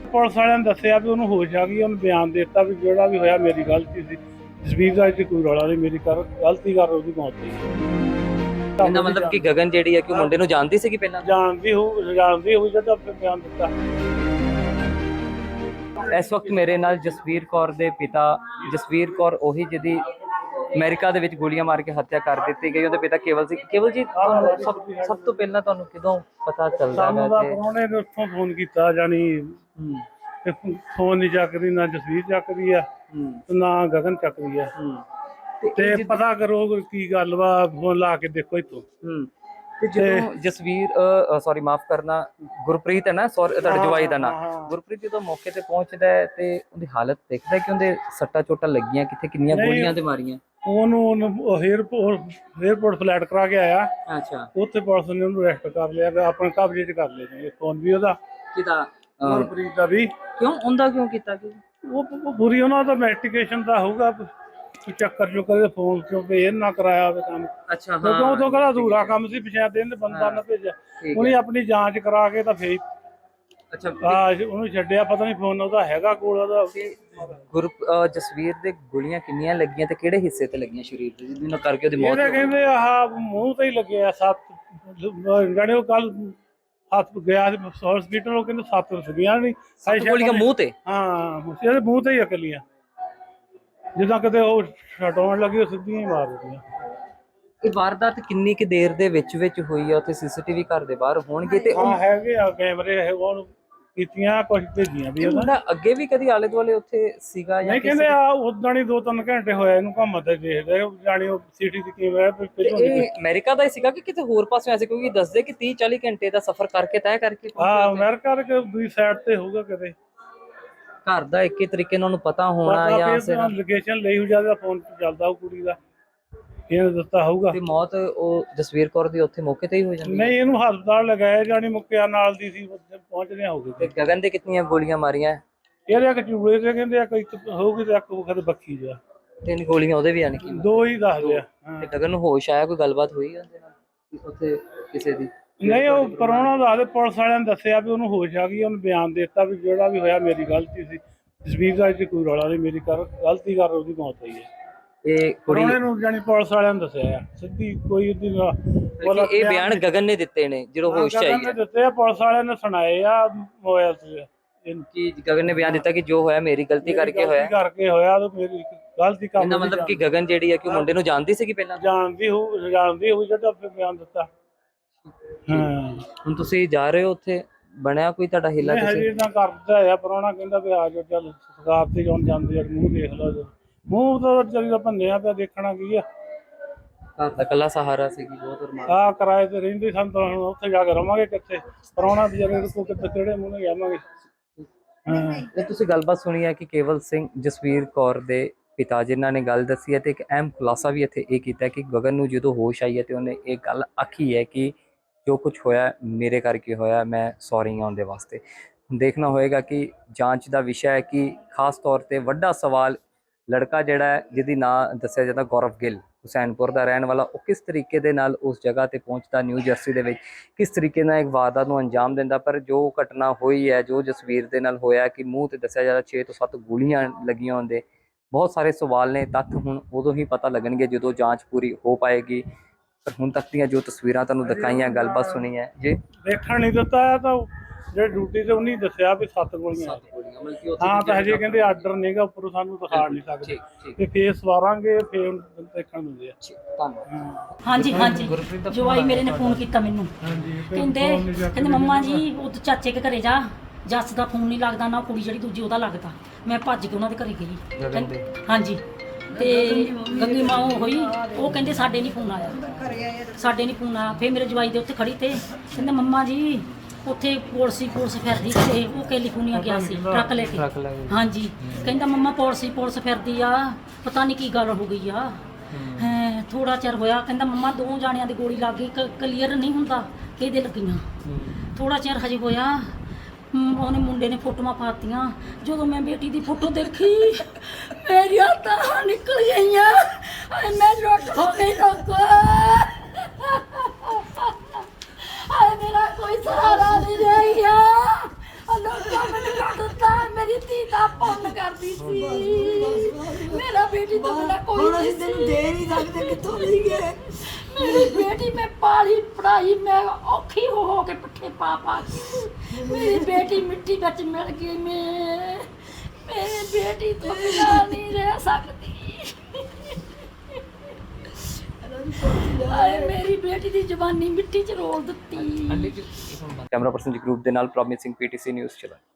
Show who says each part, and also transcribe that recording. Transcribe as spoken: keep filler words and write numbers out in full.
Speaker 1: Police वाले ने दसिया भी उन्होंने होश आ गई, उन्हें बयान दिता भी जोड़ा भी होया मेरी गलती सी। जसवीर का इत्थे कोई रौला नहीं, मेरी कर गलती कर उसदी मौत होई।
Speaker 2: ਇਹਦਾ ਮਤਲਬ ਕਿ ਗਗਨ ਜਿਹੜੀ ਹੈ ਕਿ ਮੁੰਡੇ ਨੂੰ ਜਾਣਦੀ ਸੀ ਕਿ ਪਹਿਲਾਂ
Speaker 1: जानती हो जानती हुई जब अपने बयान दिता।
Speaker 2: ਇਸ ਵਕਤ ਮੇਰੇ ਨਾਲ ਜਸਵੀਰ ਕੌਰ ਦੇ ਪਿਤਾ ਜਸਵੀਰ ਕੌਰ ਉਹੀ ਜਿਹਦੀ ਅਮਰੀਕਾ ਦੇ ਵਿੱਚ ਗੋਲੀਆਂ ਮਾਰ ਕੇ ਹੱਤਿਆ ਕਰ ਦਿੱਤੀ ਗਈ, ਉਹਦੇ ਪਿਤਾ ਕੇਵਲ ਸਿੰਘ। ਕੇਵਲ ਜੀ ਤੁਹਾਨੂੰ ਸਭ ਸਭ ਤੋਂ ਪਹਿਲਾਂ ਤੁਹਾਨੂੰ ਕਿਦੋਂ ਪਤਾ ਚੱਲਦਾ ਹੈ ਕਿ
Speaker 1: ਉਹਨੇ ਉੱਥੋਂ ਫੋਨ ਕੀਤਾ, ਜਾਨੀ ਤੇ ਫੋਨ ਨਹੀਂ ਚੱਕਦੀ, ਨਾ ਜਸਵੀਰ ਚੱਕਦੀ ਆ ਨਾ ਗਗਨ ਚੱਕਦੀ ਆ, ਤੇ ਪਤਾ ਕਰੋ ਕੀ ਗੱਲ ਵਾ, ਫੋਨ ਲਾ ਕੇ ਦੇਖੋ ਇੱਥੋਂ।
Speaker 2: ਤੇ ਜਦੋਂ ਜਸਵੀਰ ਸੌਰੀ ਮਾਫ ਕਰਨਾ ਗੁਰਪ੍ਰੀਤ ਹੈ ਨਾ, ਸੌਰੀ ਤੁਹਾਡੇ ਜਵਾਈ ਦਾ ਨਾਮ ਗੁਰਪ੍ਰੀਤ, ਜਦੋਂ ਮੌਕੇ ਤੇ ਪਹੁੰਚਦਾ ਹੈ ਤੇ ਉਹਦੀ ਹਾਲਤ ਦੇਖਦਾ ਕਿ ਉਹਦੇ ਸੱਟਾਂ ਚੋਟਾਂ ਲੱਗੀਆਂ, ਕਿੱਥੇ ਕਿੰਨੀਆਂ ਗੋਲੀਆਂ ਤੇ ਮਾਰੀਆਂ।
Speaker 1: ਉਹਨੂੰ 에어ਪੋਰਟ 에어ਪੋਰਟ ਫਲੈਟ ਕਰਾ ਕੇ ਆਇਆ।
Speaker 2: ਅੱਛਾ,
Speaker 1: ਉੱਥੇ ਪੁਲਿਸ ਨੇ ਉਹਨੂੰ ਅਰੈਸਟ ਕਰ ਲਿਆ, ਆਪਣੇ ਕਬਜ਼ੇ 'ਚ ਕਰ ਲਿਆ ਜੀ ਫੋਨ ਵੀ ਉਹਦਾ।
Speaker 2: ਕਿਹਦਾ?
Speaker 1: ਗੁਰਪ੍ਰੀਤ ਦਾ ਵੀ।
Speaker 2: ਕਿਉਂ ਉਹਦਾ ਕਿਉਂ ਕੀਤਾ? ਕਿ
Speaker 1: ਉਹ ਪੂਰੀ ਉਹਨਾਂ ਦਾ ਇਨਵੈਸਟੀਗੇਸ਼ਨ ਦਾ ਹੋਊਗਾ, ਚੱਕਰ ਚੁੱਕਰ ਫੋਨ ਚੋਂ ਇਹ ਨਾ ਕਰਾਇਆ ਹੋਵੇ ਕੰਮ।
Speaker 2: ਅੱਛਾ,
Speaker 1: ਹਾਂ ਉਦੋਂ ਤੋਂ ਕਹਿੰਦਾ ਅਧੂਰਾ ਕੰਮ ਸੀ, ਪੰਚਾਇਤ ਦੇ ਬੰਦਾ ਨਾ ਭੇਜਿਆ, ਉਹਨੇ ਆਪਣੀ ਜਾਂਚ ਕਰਾ ਕੇ ਤਾਂ ਫੇਰ
Speaker 2: ਅੱਛਾ
Speaker 1: ਆ ਉਹਨੂੰ ਛੱਡਿਆ। ਪਤਾ ਨਹੀਂ ਫੋਨ ਉਹਦਾ ਹੈਗਾ ਕੋਲ ਉਹਦਾ।
Speaker 2: ਗੁਰੂ ਜਸਵੀਰ ਦੇ ਗੋਲੀਆਂ ਕਿੰਨੀਆਂ ਲੱਗੀਆਂ ਤੇ ਕਿਹੜੇ ਹਿੱਸੇ ਤੇ ਲੱਗੀਆਂ ਸਰੀਰ ਦੇ, ਜਿਹਦੇ ਨਾਲ ਕਰਕੇ ਉਹਦੀ ਮੌਤ?
Speaker 1: ਇਹਦੇ ਕਹਿੰਦੇ ਆਹ ਮੂੰਹ ਤੇ ਹੀ ਲੱਗਿਆ ਸੱਤ, ਜਾਣੇ ਉਹ ਕੱਲ ਹੱਥ ਗਿਆ ਸੀ ਹਸਪੀਟਲ, ਉਹ ਕਹਿੰਦੇ ਸੱਤ ਸੀਗੀਆਂ ਨਹੀਂ
Speaker 2: ਸੱਤ ਗੋਲੀਆਂ ਮੂੰਹ ਤੇ।
Speaker 1: ਹਾਂ ਇਹਦੇ ਮੂੰਹ ਤੇ ਹੀ ਅਕਲੀਆਂ, ਜਿੱਦਾਂ ਕਿਤੇ ਉਹ ਛਡਾਉਣ ਲੱਗੀ ਉਹ ਸਿੱਧੀਆਂ ਹੀ ਮਾਰ ਦਿੱਤੀਆਂ।
Speaker 2: ਇਹ ਵਾਰਦਾਤ ਕਿੰਨੀ ਕਿ ਦੇਰ ਦੇ ਵਿੱਚ ਵਿੱਚ ਹੋਈ ਆ? ਉੱਥੇ ਸੀਸੀਟੀਵੀ ਘਰ ਦੇ ਬਾਹਰ ਹੋਣਗੇ ਤੇ
Speaker 1: ਹਾਂ ਹੈਗੇ ਆ ਕੈਮਰੇ, ਇਹ ਉਹ ਕੀਤੀਆਂ ਕੁਝ ਭੇਜੀਆਂ ਵੀ ਉਹਦਾ।
Speaker 2: ਅੱਗੇ ਵੀ ਕਦੀ ਆਲੇ ਦੁਆਲੇ ਉੱਥੇ ਸੀਗਾ ਜਾਂ
Speaker 1: ਨਹੀਂ? ਕਹਿੰਦੇ ਆ ਉਦਾਂ ਹੀ ਦੋ ਤਿੰਨ ਘੰਟੇ ਹੋਇਆ ਇਹਨੂੰ ਘੁੰਮਦੇ ਦੇਖਦੇ, ਜਾਣੀ ਉਹ ਸਿਟੀ ਦੀ ਕੈਮਰਾ ਪਹਿਲਾਂ।
Speaker 2: ਇਹ ਅਮਰੀਕਾ ਦਾ ਹੀ ਸੀਗਾ ਕਿ ਕਿਤੇ ਹੋਰ ਪਾਸੇ ਐਸੇ? ਕਿਉਂਕਿ ਦੱਸਦੇ ਕਿ ਤੀਹ ਚਾਲੀ ਘੰਟੇ ਦਾ ਸਫ਼ਰ ਕਰਕੇ ਤੈਅ ਕਰਕੇ।
Speaker 1: ਹਾਂ ਅਮਰੀਕਾ ਦੇ ਦੂਜੀ ਸਾਈਡ ਤੇ ਹੋਊਗਾ ਕਿਤੇ।
Speaker 2: ਘਰ ਦਾ ਇੱਕ ਹੀ ਤਰੀਕੇ ਨਾਲ ਉਹਨੂੰ ਪਤਾ ਹੋਣਾ ਜਾਂ
Speaker 1: ਲੋਕੇਸ਼ਨ ਲਈ ਹੋ ਜਾਂਦਾ, ਫੋਨ ਚੱਲਦਾ ਉਹ ਕੁੜੀ ਦਾ, ਇਹਨੇ ਦਿੱਤਾ ਹੋਊਗਾ।
Speaker 2: ਤੇ ਮੌਤ ਉਹ ਜਸਵੀਰ ਕੌਰ ਦੀ ਉੱਥੇ ਮੌਕੇ ਤੇ ਹੀ ਹੋ ਜਾਂਦੀ?
Speaker 1: ਨਹੀਂ ਇਹਨੂੰ ਹਸਪਤਾਲ ਲਗਾਇਆ, ਜਾਣੀ ਮੁੱਕਿਆ ਨਾਲ ਦੀ ਸੀ, ਪਹੁੰਚਦੇ ਹੋਊਗੇ।
Speaker 2: ਤੇ ਗਗਨ ਦੇ ਕਿੰਨੀਆਂ ਗੋਲੀਆਂ ਮਾਰੀਆਂ?
Speaker 1: ਇਹਦੇ ਇੱਕ ਚੂੜੇ ਤੇ ਕਹਿੰਦੇ ਆ ਇੱਕ ਹੋਊਗੀ ਤੇ ਇੱਕ ਵਖਤ ਬੱਖੀ ਜਾ।
Speaker 2: ਤਿੰਨ ਗੋਲੀਆਂ ਉਹਦੇ ਵੀ ਆਣ ਕੀ?
Speaker 1: ਦੋ ਹੀ ਦੱਸਦੇ ਆ।
Speaker 2: ਤੇ ਗਗਨ ਨੂੰ ਹੋਸ਼ ਆਇਆ? ਕੋਈ ਗੱਲਬਾਤ ਹੋਈ ਉਹਦੇ ਨਾਲ ਉੱਥੇ ਕਿਸੇ ਦੀ?
Speaker 1: ਨਹੀਂ ਉਹ ਪਰੋਣਾ ਦੱਸਦੇ, ਪੁਲਿਸ ਵਾਲਿਆਂ ਨੇ ਦੱਸਿਆ ਵੀ ਉਹਨੂੰ ਹੋਸ਼ ਆ ਗਈ, ਉਹਨੇ ਬਿਆਨ ਦਿੱਤਾ ਵੀ ਜਿਹੜਾ ਵੀ ਹੋਇਆ ਮੇਰੀ ਗਲਤੀ ਸੀ। ਜਸਵੀਰ ਦਾ ਇੱਥੇ ਕੋਈ ਰੌਲਾ ਨਹੀਂ, ਮੇਰੀ ਕਰ ਗਲਤੀ ਕਰ ਉਹਦੀ ਮੌਤ ਹੋਈ ਹੈ।
Speaker 2: ਇਹ ਕੁੜੀ
Speaker 1: ਨੂੰ ਜਾਨੀ ਪੁਲਿਸ ਵਾਲਿਆਂ ਨੇ ਦੱਸਿਆ ਆ ਸਿੱਧੀ, ਕੋਈ ਉਹਦੀ
Speaker 2: ਇਹ ਬਿਆਨ ਗਗਨ ਨੇ ਦਿੱਤੇ ਨੇ ਜਦੋਂ ਹੋਸ਼ ਆਈ ਹੈ?
Speaker 1: ਦਿੱਤੇ ਆ, ਪੁਲਿਸ ਵਾਲਿਆਂ ਨੇ ਸੁਣਾਏ ਆ ਮੋਬਾਈਲ ਤੇ।
Speaker 2: ਕਿ ਗਗਨ ਨੇ ਬਿਆਨ ਦਿੱਤਾ ਕਿ ਜੋ ਹੋਇਆ ਮੇਰੀ ਗਲਤੀ ਕਰਕੇ ਹੋਇਆ
Speaker 1: ਕਰਕੇ ਹੋਇਆ ਤੇ ਮੇਰੀ ਗਲਤੀ ਕੰਮ।
Speaker 2: ਇਹਦਾ ਮਤਲਬ ਕਿ ਗਗਨ ਜਿਹੜੀ ਹੈ ਕਿ ਮੁੰਡੇ ਨੂੰ ਜਾਣਦੀ ਸੀ ਕਿ ਪਹਿਲਾਂ?
Speaker 1: ਜਾਣਦੀ ਹੋ ਜਾਣਦੀ ਹੋਈ ਜਦ ਆਪੇ ਬਿਆਨ ਦਿੱਤਾ। ਹਾਂ
Speaker 2: ਹੁਣ ਤੁਸੀਂ ਜਾ ਰਹੇ ਹੋ ਉੱਥੇ, ਬਣਿਆ ਕੋਈ ਤੁਹਾਡਾ ਹਿੱਲਾ?
Speaker 1: ਤੁਸੀਂ ਹਜੇ ਤਾਂ ਕਰਦਾ ਆ, ਪਰੋਣਾ ਕਹਿੰਦਾ ਵੀ ਆ ਜਾਓ, ਚੱਲ ਸਰਕਾਰ ਤੇ ਜਾਣ ਜਾਂਦੇ ਆ, ਮੂੰਹ ਦੇਖ ਲਓ। ਮੂੰਹ ਤਾਂ ਚੱਲੀ ਦਾ ਭੰਨਿਆ ਪਿਆ, ਦੇਖਣਾ ਕੀ ਆ।
Speaker 2: ਘਰ ਦਾ ਕੱਲਾ ਸਹਾਰਾ ਸੀਗੀ ਬਹੁਤ ਅਰਮਾਨ।
Speaker 1: ਆ ਕਿਰਾਏ ਤੇ ਰਹਿੰਦੇ ਸਨ ਤਾਂ ਹੁਣ ਉੱਥੇ ਜਾ ਕੇ ਰਵਾਂਗੇ ਕਿੱਥੇ? ਪਰੋਣਾ ਵਿਚਾਰੇ ਕੋ ਕਿੱਥੇ ਕਿਹੜੇ ਮੂੰਹ ਨਾਲ ਜਾਵਾਂਗੇ। ਹਾਂ
Speaker 2: ਇਹ ਤੁਸੀਂ ਗੱਲਬਾਤ ਸੁਣੀ ਹੈ ਕਿ ਕੇਵਲ ਸਿੰਘ ਜਸਵੀਰ ਕੌਰ ਦੇ ਪਿਤਾ ਜਿਨ੍ਹਾਂ ਨੇ ਗੱਲ ਦੱਸੀ ਹੈ, ਤੇ ਇੱਕ ਅਹਿਮ ਖੁਲਾਸਾ ਵੀ ਇੱਥੇ ਇਹ ਕੀਤਾ ਕਿ ਗਗਨ ਨੂੰ ਜਦੋਂ ਹੋਸ਼ ਆਈ ਹੈ ਤੇ ਉਹਨੇ ਇਹ ਗੱਲ ਆਖੀ ਹੈ ਕਿ ਜੋ ਕੁਝ ਹੋਇਆ ਮੇਰੇ ਕਰਕੇ ਹੋਇਆ, ਮੈਂ ਸੌਰੀ ਆਉਣ ਦੇ ਵਾਸਤੇ। ਦੇਖਣਾ ਹੋਏਗਾ ਕਿ ਜਾਂਚ ਦਾ ਵਿਸ਼ਾ ਹੈ ਕਿ ਖਾਸ ਤੌਰ ਤੇ ਵੱਡਾ ਸਵਾਲ ਲੜਕਾ ਜਿਹੜਾ ਹੈ ਜਿਹਦੀ ਨਾਂ ਦੱਸਿਆ ਜਾਂਦਾ ਗੌਰਵ ਗਿੱਲ, ਹੁਸੈਨਪੁਰ ਦਾ ਰਹਿਣ ਵਾਲਾ, ਉਹ ਕਿਸ ਤਰੀਕੇ ਦੇ ਨਾਲ ਉਸ ਜਗ੍ਹਾ ਤੇ ਪਹੁੰਚਦਾ, ਨਿਊ ਜਰਸੀ ਦੇ ਵਿੱਚ ਕਿਸ ਤਰੀਕੇ ਨਾਲ ਇੱਕ ਵਾਰਦਾਤ ਨੂੰ ਅੰਜਾਮ ਦਿੰਦਾ। ਪਰ ਜੋ ਘਟਨਾ ਹੋਈ ਹੈ, ਜੋ ਜਸਵੀਰ ਦੇ ਨਾਲ ਹੋਇਆ ਕਿ ਮੂੰਹ ਤੇ ਦੱਸਿਆ ਜਾਂਦਾ ਛੇ ਤੋਂ ਸੱਤ ਗੋਲੀਆਂ ਲੱਗੀਆਂ ਹੁੰਦੇ, ਬਹੁਤ ਸਾਰੇ ਸਵਾਲ ਨੇ। ਤੱਥ ਹੁਣ ਉਦੋਂ ਹੀ ਪਤਾ ਲੱਗਣਗੇ ਜਦੋਂ ਜਾਂਚ ਪੂਰੀ ਹੋ ਪਾਏਗੀ। ਪਰ ਹੁਣ ਤੱਕ ਦੀਆਂ ਜੋ ਤਸਵੀਰਾਂ ਤੁਹਾਨੂੰ ਦਿਖਾਈਆਂ, ਗੱਲਬਾਤ ਸੁਣੀ ਹੈ ਜੀ,
Speaker 1: ਦੇਖਣ ਨਹੀਂ ਦਿੱਤਾ ਤਾਂ ਜਿਹੜੇ ਡਿਊਟੀ ਤੇ ਉਹਨੇ ਦੱਸਿਆ ਵੀ ਸੱਤ ਗੋਲੀਆਂ। ਹਾਂ ਤਾਂ ਹਜੇ ਕਹਿੰਦੇ ਆਰਡਰ ਨਹੀਂਗਾ ਉੱਪਰੋਂ, ਸਾਨੂੰ ਦਿਖਾ ਨਹੀਂ ਸਕਦੇ ਤੇ ਫੇਰ ਸਵਾਰਾਂਗੇ, ਫੇਰ ਦੇਖਣ ਦਿੰਦੇ ਆ।
Speaker 3: ਹਾਂਜੀ ਹਾਂਜੀ ਜਵਾਈ ਮੇਰੇ ਨੇ ਫੋਨ ਕੀਤਾ ਮੈਨੂੰ, ਕਹਿੰਦੇ ਕਹਿੰਦੇ ਮੰਮਾ ਜੀ ਉਹ ਚਾਚੇ ਕੇ ਘਰੇ ਜਾ, ਜੱਸ ਦਾ ਫੋਨ ਨਹੀਂ ਲੱਗਦਾ ਨਾ, ਕੁੜੀ ਜਿਹੜੀ ਦੂਜੀ ਉਹਦਾ ਲੱਗਦਾ। ਮੈਂ ਭੱਜ ਕੇ ਉਹਨਾਂ ਦੇ ਘਰੇ ਗਈ। ਹਾਂਜੀ ਤੇ ਗੰਗੀ ਮਾਂ ਹੋਈ, ਉਹ ਕਹਿੰਦੇ ਸਾਡੇ ਨਹੀਂ ਫੋਨ ਆਇਆ, ਸਾਡੇ ਨਹੀਂ ਫੋਨ ਆਇਆ। ਫਿਰ ਮੇਰੇ ਜਵਾਈ ਦੇ ਉੱਤੇ ਖੜੀ ਤੇ ਕਹਿੰਦੇ ਮੰਮਾ ਜੀ ਉੱਥੇ ਪੁਲਿਸ ਪੁਲਿਸ ਫਿਰਦੀ ਤੇ ਉਹ ਕੈਲੀਫੋਰਨੀਆ ਗਿਆ ਸੀ ਟਰੱਕ ਲੈ ਕੇ। ਹਾਂਜੀ ਕਹਿੰਦਾ ਮੰਮਾ ਪੁਲਿਸ ਪੁਲਿਸ ਫਿਰਦੀ ਆ, ਪਤਾ ਨਹੀਂ ਕੀ ਗੱਲ ਹੋ ਗਈ ਆ। ਹੈ ਥੋੜਾ ਚਿਰ ਹੋਇਆ, ਕਹਿੰਦਾ ਮੰਮਾ ਦੋ ਜਾਣਿਆਂ ਦੀ ਗੋਲੀ ਲੱਗ ਗਈ, ਕਲੀਅਰ ਨਹੀਂ ਹੁੰਦਾ ਕਿਹਦੇ ਲੱਗੀਆਂ। ਥੋੜਾ ਚਿਰ ਹਜੇ ਹੋਇਆ, ਉਹਨੇ ਮੁੰਡੇ ਨੇ ਫੋਟੋਆਂ ਪਾਤੀਆਂ। ਜਦੋਂ ਮੈਂ ਬੇਟੀ ਦੀ ਫੋਟੋ ਦੇਖੀ ਮੇਰੀਆਂ ਤਾਂ ਨਿਕਲ ਗਈਆਂ, ਮੈਂ ਲੁੱਟ ਹੋ ਗਈ ਲੋਕੋ। ਮੇਰਾ ਕੋਈ ਸਹਾਰਾ ਨਹੀਂ ਰਹਿ ਗਿਆ, ਲੋਕਾਂ ਮੈਨੂੰ ਲੁੱਟ ਦਿੱਤਾ। ਤਾਂ ਪੁੰਨ ਕਰਦੀ ਸੀ ਮੇਰਾ ਬੇਟੀ ਤੋਂ ਬਿਨਾਂ ਕੋਈ
Speaker 4: ਹੁਣ
Speaker 3: ਨਹੀਂ
Speaker 4: ਅਸੀਂ ਤੈਨੂੰ
Speaker 3: ਸੀ
Speaker 4: ਦੇ ਨਹੀਂ ਸਕਦੇ, ਕਿੱਥੋਂ ਲਈਏ?
Speaker 3: ਮੇਰੀ ਬੇਟੀ ਮੈਂ ਪਾਲੀ ਪੜਾਈ ਮੈਂ ਔਖੀ ਹੋ ਹੋ ਕੇ ਪੱਠੇ ਪਾ ਪਾ ਕੇ ਮੇਰੀ ਬੇਟੀ ਮਿੱਟੀ ਵਿੱਚ ਮਿਲ ਗਈ ਮੈਂ ਮੇਰੀ ਬੇਟੀ ਤੋਂ ਬਿਨਾਂ ਨਹੀਂ ਰਹਿ ਸਕਦੀ ਆਏ ਮੇਰੀ ਬੇਟੀ ਦੀ ਜਵਾਨੀ ਮਿੱਟੀ 'ਚ ਰੋਲ ਦਿੱਤੀ
Speaker 2: ਕੈਮਰਾ ਪਰਸਨ ਜੀ ਗਰੁੱਪ ਦੇ ਨਾਲ ਪ੍ਰੋਮਿਸਿੰਗ ਪੀਟੀਸੀ ਨਿਊਜ਼ ਚਲਾ